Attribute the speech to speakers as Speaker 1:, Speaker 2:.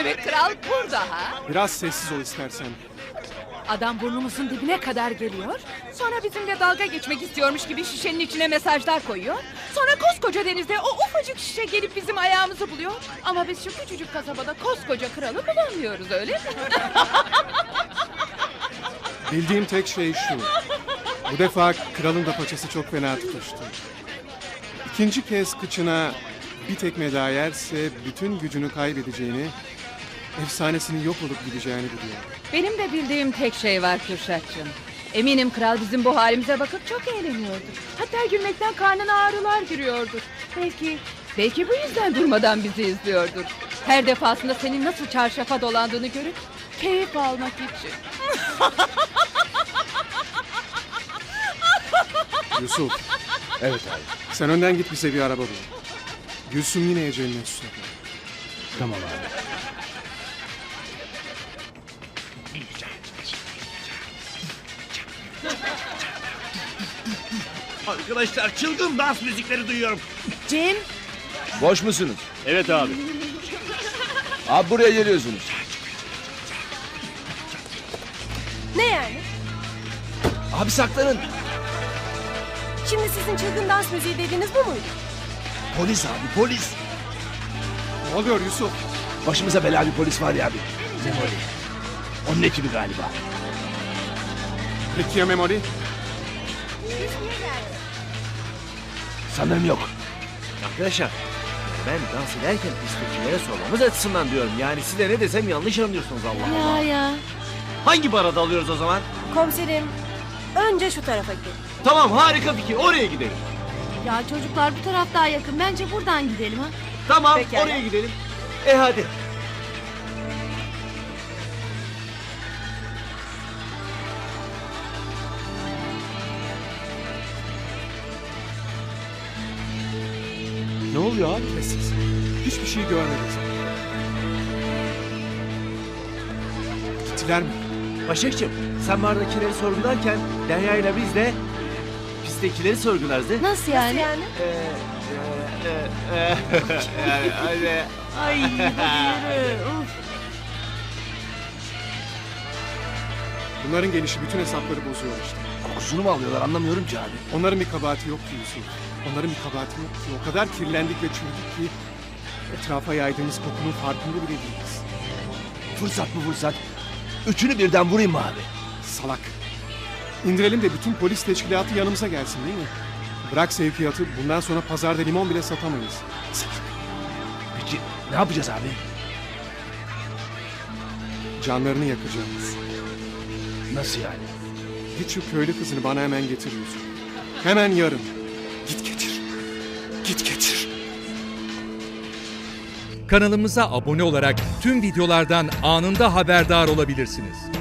Speaker 1: demek kral burada ha?
Speaker 2: Biraz sessiz ol istersen.
Speaker 1: Adam burnumuzun dibine kadar geliyor. Sonra bizimle dalga geçmek istiyormuş gibi şişenin içine mesajlar koyuyor. Sonra koskoca denizde o ufacık şişe gelip bizim ayağımızı buluyor. Ama biz şu küçücük kasabada koskoca kralı bulamıyoruz, öyle mi?
Speaker 2: Bildiğim tek şey şu. Bu defa kralın da paçası çok fena tutuştu. İkinci kez kıçına bir tekme daha yerse bütün gücünü kaybedeceğini, efsanesinin yok olup gideceğini biliyor.
Speaker 1: Benim de bildiğim tek şey var Kürşatcığım. Eminim kral bizim bu halimize bakıp çok eğleniyordur. Hatta gülmekten karnına ağrılar giriyordur. Belki bu yüzden durmadan bizi izliyordur. Her defasında senin nasıl çarşafa dolandığını görüp keyif almak için.
Speaker 2: Yusuf,
Speaker 3: Evet abi.
Speaker 2: sen önden git bize bir araba bul. Gülsüm yine eceline susadı.
Speaker 3: Tamam abi.
Speaker 4: Arkadaşlar çılgın dans müzikleri duyuyorum.
Speaker 1: Cem,
Speaker 3: Boş musunuz?
Speaker 4: Evet abi.
Speaker 3: Abi buraya geliyorsunuz.
Speaker 5: Ne yani?
Speaker 3: Abi saklanın.
Speaker 5: Şimdi sizin çılgın dans müziği dediğiniz bu muydu?
Speaker 3: Polis abi polis.
Speaker 2: Ne oluyor Yusuf?
Speaker 3: Başımıza bela bir polis var ya abi. Memoli. Onun ekibi galiba.
Speaker 2: Peki ya Memoli?
Speaker 3: Sanırım yok.
Speaker 4: Arkadaşlar ben dans ederken istekilere sormamız açısından diyorum. Yani size ne desem yanlış anlıyorsunuz Allah Allah.
Speaker 5: Ya.
Speaker 4: Hangi barada alıyoruz o zaman?
Speaker 5: Komiserim, önce şu tarafa gidelim.
Speaker 4: Tamam harika fikir oraya gidelim.
Speaker 5: Ya çocuklar bu taraf daha yakın. Bence buradan gidelim ha.
Speaker 4: Tamam
Speaker 5: Pekala.
Speaker 4: oraya gidelim. Hadi.
Speaker 2: Ne oluyor abi? Sessiz. Hiçbir şey görmedik. Gittiler mi?
Speaker 4: Başakçığım sen bardakileri sorgularken Derya ile biz de pistekileri sorgularız değil mi?
Speaker 5: Nasıl yani?
Speaker 4: Yani öyle.
Speaker 5: Ay hadi yürü.
Speaker 2: Bunların gelişi bütün hesapları bozuyor işte.
Speaker 3: Kokusunu mu alıyorlar anlamıyorum ki abi.
Speaker 2: Onların bir kabahati yok ki Yusuf. Onların bir kabahati yok ki. O kadar kirlendik ve çürüdük ki etrafa yaydığımız kokunun farkında bile değiliz.
Speaker 3: Fırsat mı fırsat? Üçünü birden vurayım mı abi?
Speaker 2: Salak. İndirelim de bütün polis teşkilatı yanımıza gelsin değil mi? Bırak sevkiyatı, bundan sonra pazarda limon bile satamayız. Salak.
Speaker 3: Peki ne yapacağız abi?
Speaker 2: Canlarını yakacağız.
Speaker 3: Nasıl yani?
Speaker 2: Git şu köylü kızını bana hemen getir Yusuf. Hemen yarın. Git getir. Git getir.
Speaker 6: Kanalımıza abone olarak tüm videolardan anında haberdar olabilirsiniz.